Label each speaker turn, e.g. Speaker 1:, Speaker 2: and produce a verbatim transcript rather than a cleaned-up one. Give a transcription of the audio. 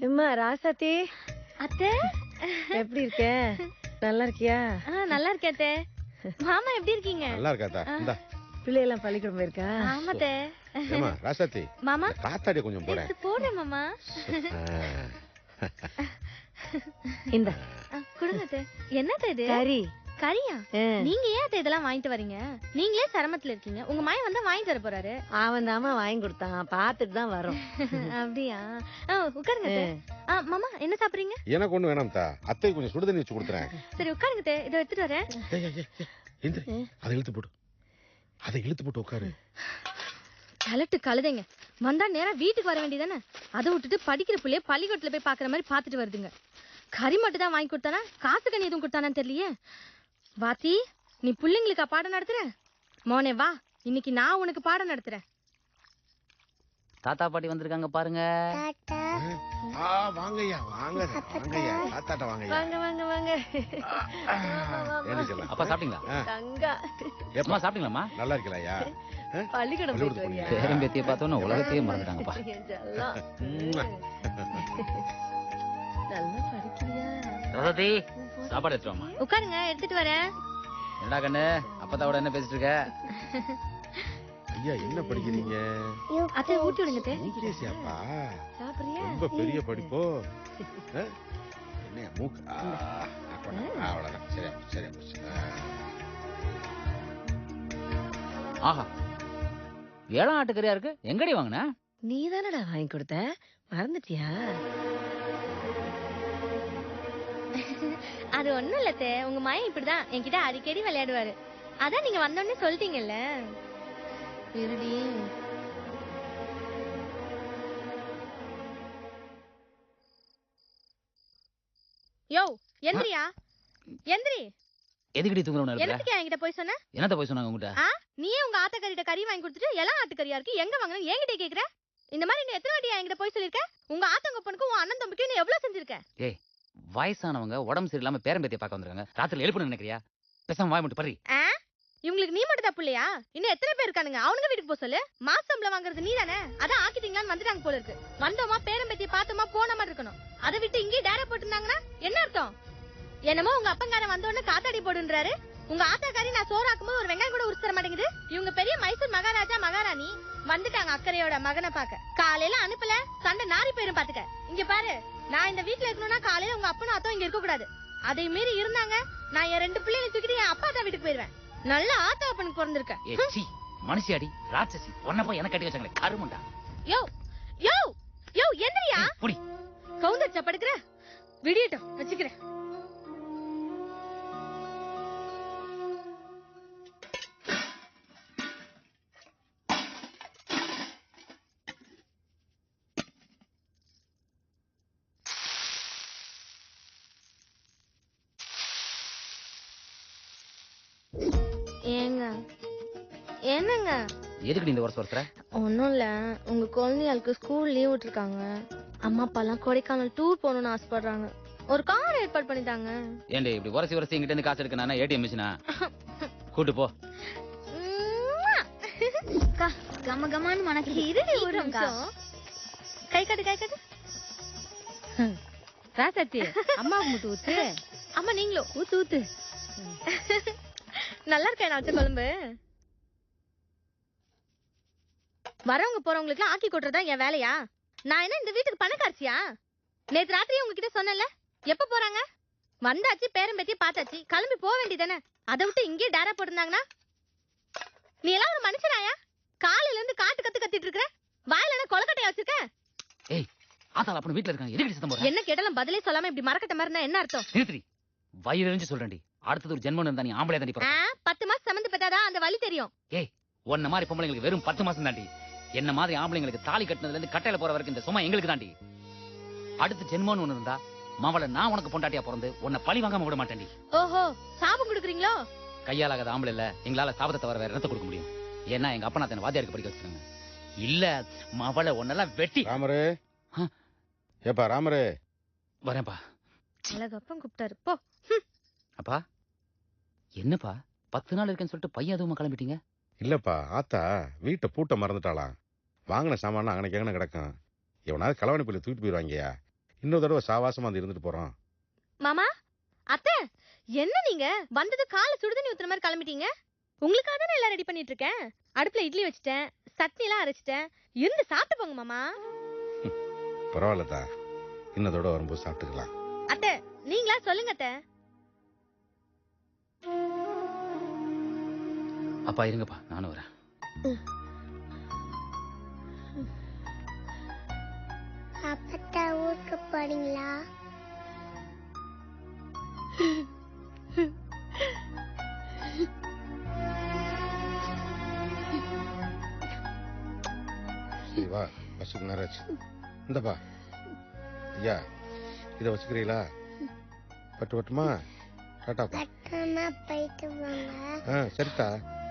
Speaker 1: எம்மா ராசாத்தி
Speaker 2: அத்தை
Speaker 1: எப்படி இருக்க? நல்லா இருக்கியா?
Speaker 2: நல்லா இருக்கேன் அத்தை. மாமா எப்படி இருக்கீங்க?
Speaker 3: நல்லா இருக்காதா? இந்தா
Speaker 1: பிள்ளையெல்லாம் பள்ளிக்கூடம் போயிருக்கா?
Speaker 2: ஆமா அத்தை.
Speaker 3: ஏமா ராசாத்தி
Speaker 2: மாமா
Speaker 3: காத்தாடி கொஞ்சம் போறேன்.
Speaker 2: போறேன் மாமா.
Speaker 1: இந்த
Speaker 2: குடுங்க அத்தை. என்னது இது?
Speaker 1: கறி.
Speaker 2: கறியா? நீங்க ஏன் அத்தை இதெல்லாம் வாங்கிட்டு வரீங்க? நீங்களே சிரமத்துல இருக்கீங்க. உங்க மாயன் வந்தா வாங்கி தர போறாரு.
Speaker 1: அவன் தாமா வாங்கி கொடுத்தான், பாத்துட்டு தான் வரும்.
Speaker 2: அப்படியா? உட்காருங்க அத்தை. மாமா என்ன சாப்பிடுறீங்க?
Speaker 3: எனக்கு ஒண்ணு வேணாம் தா. அத்தை கொஞ்சம் சுடு தண்ணி வச்சு கொடுத்துறேன்.
Speaker 2: சரி உட்காருங்க அத்தை. இதை எடுத்துட்டு வரேன்.
Speaker 3: அதை இழுத்து போடு. அதை இழுத்து போட்டு உட்காரு.
Speaker 2: கலட்டு கழுதைங்க. வந்தா நேரம் வீட்டுக்கு வர வேண்டியதானே? அதை விட்டுட்டு படிக்கிற பிள்ளைய பள்ளிக்கூடத்துல போய் பாக்குற மாதிரி பாத்துட்டு வருதுங்க. கறி மட்டும் தான் வாங்கி கொடுத்தானா? காசு கண்ணி எதுவும் கொடுத்தானான்னு தெரியலையே. வாத்தி, நீ பிள்ளைங்களுக்கா பாடம் நடத்துற? மோனே வா, இன்னைக்கு நான் உனக்கு பாடம் நடத்துறேன்.
Speaker 4: தாத்தா பாட்டி வந்திருக்காங்க பாருங்க.
Speaker 3: வாங்கய்யா வாங்க வாங்கய்யா தாத்தாட்ட வாங்கய்யா.
Speaker 1: வாங்க வாங்க வாங்க.
Speaker 4: அப்பா சாப்பிட்டீங்களா?
Speaker 1: தங்கா
Speaker 4: எப்பமா சாப்பிட்டீங்களாம்மா?
Speaker 3: நல்லா இருக்கலையா?
Speaker 1: பள்ளிக்கூடம் போயிட்டு வரியா?
Speaker 4: பேரம்பேத்தியை பார்த்தோன்னா உலகத்தையே மறந்துட்டாங்கப்பா.
Speaker 1: நல்லா படிக்கிறியா?
Speaker 4: ரததி சாப்பாடு எடுத்துட்டு வாமா.
Speaker 2: உட்காருங்க, எடுத்துட்டு வரேன்.
Speaker 4: என்னடா கண்ணு அப்பத்தாவோட என்ன பேசிட்டு இருக்க?
Speaker 3: ஐயா என்ன படிக்கிறீங்க?
Speaker 2: அத்தை ஊட்டி விடுங்க அத்தை.
Speaker 3: யூகேசியாப்பா?
Speaker 1: சாப்பிடுறியா?
Speaker 3: ரொம்ப பெரிய படிப்போ. என்ன மூக்கு? அவ்வளவுதான். சரியா சரியா போச்சு.
Speaker 4: ஆஹா, ஏழாம் ஆட்டுக்கறியா இருக்கு. எங்கடி வாங்கின?
Speaker 1: நீ தானடா வாங்கி கொடுத்த, மறந்துட்டியா?
Speaker 2: அது ஒண்ணும் இல்ல அத்தை. உங்க மாயன் இப்படிதான் என்கிட்ட அடிக்கடி விளையாடுவாரு. அதான் நீங்க வந்தோடனே சொல்லிட்டீங்கல்ல. இருடி. யோ எந்திரியா, எந்திரி.
Speaker 4: எதுக்கடி தூங்குறவன இருக்க?
Speaker 2: என்னத்துக்கு என்கிட்ட போய் சொன்ன?
Speaker 4: என்னத்த போய் சொன்னாங்க உங்ககிட்ட?
Speaker 2: நீயே உங்க ஆத்தக்கறிட்ட கறி வாங்கி கொடுத்துட்டு எல்லாம் ஆட்டுக்கறியா இருக்கு, எங்க வாங்கணும் என்கிட்ட கேக்குற? இந்த மாதிரி நீ எத்தனை வாட்டி என்கிட்ட போய் சொல்லிருக்க? உங்க ஆத்தங்கப்பனுக்கும் உன் அண்ணன் தம்பிக்கும் நீ எவ்வளவு செஞ்சிருக்க?
Speaker 4: ஏய், வயசானவங்க உடம்பு சரியில்லாம பேரம்பேத்தியை பார்க்க வந்திருக்காங்க. ராத்திரி எழுப்பணும் நினைக்கிறியா? பேசாம வாய் மட்டும் பறி.
Speaker 2: இவங்களுக்கு நீ மட்டும் தான் பிள்ளையா? இன்னும் எத்தனை பேர் இருக்கானுங்க? அவனுங்க வீட்டுக்கு போக சொல்லு. மாசம்பளம் வாங்குறது நீ தானே? அதான் ஆக்கிட்டீங்களான்னு வந்துட்டாங்க போல இருக்கு. வந்தோமா பேரம்பேத்தியை பார்த்தோமா போன மாதிரி இருக்கணும். அதை விட்டு இங்கே டேரா போட்டுருந்தாங்கன்னா என்ன அர்த்தம்? என்னமோ உங்க அப்பங்காரன் வந்தோடனே காத்தாடி போடுன்றாரு. உங்க ஆத்தாக்காரி நான் சோறாக்கும் போது ஒரு வெங்காயம் கூட உரிச்சு தர மாட்டேங்குது. இவங்க பெரிய மைசூர் மகாராஜா மகாராணி வந்துட்டாங்க அக்கறையோட மகனை பாக்க. காலையில அனுப்பல, சண்டை நாரி போயிரும் பாத்துக்க. இங்க பாரு, நான் இந்த வீட்டுல இருக்கணும்னா காலையில உங்க அப்பனும் அத்தம் இங்க இருக்க கூடாது. அதை மீறி இருந்தாங்க நான் என் ரெண்டு பிள்ளைகளை தூக்கிட்டு என் அப்பா தான் வீட்டுக்கு போயிருவேன். நல்ல ஆத்தா அப்பனுக்கு பிறந்திருக்க.
Speaker 4: மனுஷியாடி ராட்சசி. ஒன்ன போய் எனக்கு கட்டி வச்சாங்களே கருமுண்டா.
Speaker 2: யோ யோ யோ எந்திரியா.
Speaker 4: புடி
Speaker 2: கவுந்தர் சப்படுக்கிற விடியட்டும் வச்சுக்கிறேன். ஏங்க என்னங்க?
Speaker 4: எதுக்கு இந்த வருஷம் வருஷம்?
Speaker 2: ஒன்னும் இல்ல, உங்க குழந்தைகளுக்கு ஸ்கூல் லீவ் விட்டுருக்காங்க. அம்மா அப்பா எல்லாம் கொடைக்கானல் டூர் போகணும்னு ஆசைப்படுறாங்க. ஒரு கார் ஏற்பாடு பண்ணிட்டாங்க.
Speaker 4: ஏண்டி இப்படி வருஷம் வருஷம் எங்கிட்ட இருந்து காசு எடுக்க நானா ஏடிஎம் மிஷினா? கூட்டு போ.
Speaker 2: கம கமான்னு மனக்கு இருடி ஒரு நிமிஷம். கை காட்டு கை காட்டு.
Speaker 1: ராசாத்தி அம்மாவுக்கு மட்டும் ஊத்து.
Speaker 2: அம்மா நீங்களும்
Speaker 1: ஊத்து ஊத்து.
Speaker 2: நல்லா இருக்கேன் நான் வச்ச குழம்பு. வரவங்க போறவங்களுக்கு ஆக்கி கொட்டுறதா என் வேலையா? நான் என்ன இந்த வீட்டுக்கு பணக்காரச்சியா? நேத்து ராத்திரி உங்ககிட்ட சொன்னேன்ல, எப்ப போறாங்க? வந்தாச்சு, பேரம்பேத்தி பார்த்தாச்சு, கிளம்பி போக வேண்டியதானே? அதை விட்டு இங்கே டேரா போட்டிருந்தாங்கன்னா நீ எல்லாம் ஒரு மனுஷனாயா? காலையில இருந்து காட்டு கத்து கத்திட்டு இருக்கிற, வாயில என்ன கொலக்கட்டையா வச்சிருக்க?
Speaker 4: ஏய், ஆத்தால அப்பன வீட்ல இருக்காங்க. எதுக்கு சத்தம் போற?
Speaker 2: என்ன கேட்டாலும் பதிலே சொல்லாம இப்படி மரக்கட்ட மாதிரி இருந்தா என்ன அர்த்தம்?
Speaker 4: நிறுத்தி. வயிறு எரிஞ்சு சொல்றேன்டி. அடுத்தது ஒரு ஜென்மம் இருந்தா நீ ஆம்பளை தாண்டி போற.
Speaker 2: பத்து மாசம் சம்மந்து பெற்றாதான் அந்த வலி தெரியும்.
Speaker 4: ஏய், ஒன்ன மாதிரி பொம்பளைங்களுக்கு வெறும் பத்து மாசம் தாண்டி. என்ன மாதிரி ஆம்பளைங்களுக்கு தாலி கட்டினதுல இருந்து கட்டையில போற வரைக்கும் இந்த சும்மா எங்களுக்கு தாண்டி. அடுத்து ஜென்மம்னு ஒண்ணு இருந்தா மாவள நான் உனக்கு பொண்டாட்டியா பிறந்து உன்னை பழி வாங்காம விட மாட்டேன்டி.
Speaker 2: ஓஹோ, சாபம் கொடுக்குறீங்களோ?
Speaker 4: கையாலாகாத ஆம்பளை இல்ல எங்களால சாபத்தை தவிர வேற என்னத்த கொடுக்க முடியும்? ஏன்னா எங்க அப்பா நான் வாத்தியாருக்கு படிக்க வச்சிருக்காங்க. இல்ல மாவள ஒன்னெல்லாம் வெட்டி.
Speaker 3: ராமரே, ஏப்பா ராமரே.
Speaker 4: வரேன்ப்பா.
Speaker 2: அழகப்பன் கூப்பிட்டாரு போ.
Speaker 4: அப்பா என்னப்பா பத்து நாள் இருக்கேன்னு சொல்லிட்டு பையன் அதுவும் கிளம்பிட்டீங்க?
Speaker 3: இல்லப்பா, ஆத்தா வீட்டை பூட்ட மறந்துட்டாளா. வாங்கின சாமான அங்கனைக்கு எங்கன கிடக்கும். எவனாவது களவாணி பள்ளி தூக்கிட்டு போயிடுவாங்கயா. இன்னொரு தடவை சாவாசமா வந்து இருந்துட்டு போறோம்.
Speaker 2: மாமா அத்தை என்ன நீங்க வந்தது காலை சுடுதண்ணி ஊத்துற மாதிரி கிளம்பிட்டீங்க. உங்களுக்காக தானே எல்லாம் ரெடி பண்ணிட்டு இருக்கேன். அடுப்புல இட்லி வச்சுட்டேன், சட்னி எல்லாம் அரைச்சிட்டேன். இருந்து சாப்பிட்டு போங்க மாமா.
Speaker 3: பரவாயில்லதா, இன்னொரு தடவை வரும்போது சாப்பிட்டுக்கலாம்.
Speaker 2: அத்தை நீங்களா சொல்லுங்க அத்தை.
Speaker 4: அப்பா இருங்கப்பா, நானும் வரேன்.
Speaker 5: அப்பத்தா ஊருக்கு போறீங்களா?
Speaker 3: சரி வா, பஸ்ஸுக்கு நேரம் ஆச்சு. இந்தப்பா ஐயா, இதை வச்சுக்கிறீங்களா? பட்டு பட்டுமா? டாட்டாப்பா.
Speaker 5: பட்டமா போயிட்டு வாங்க.
Speaker 3: ஆ சரிட்டா.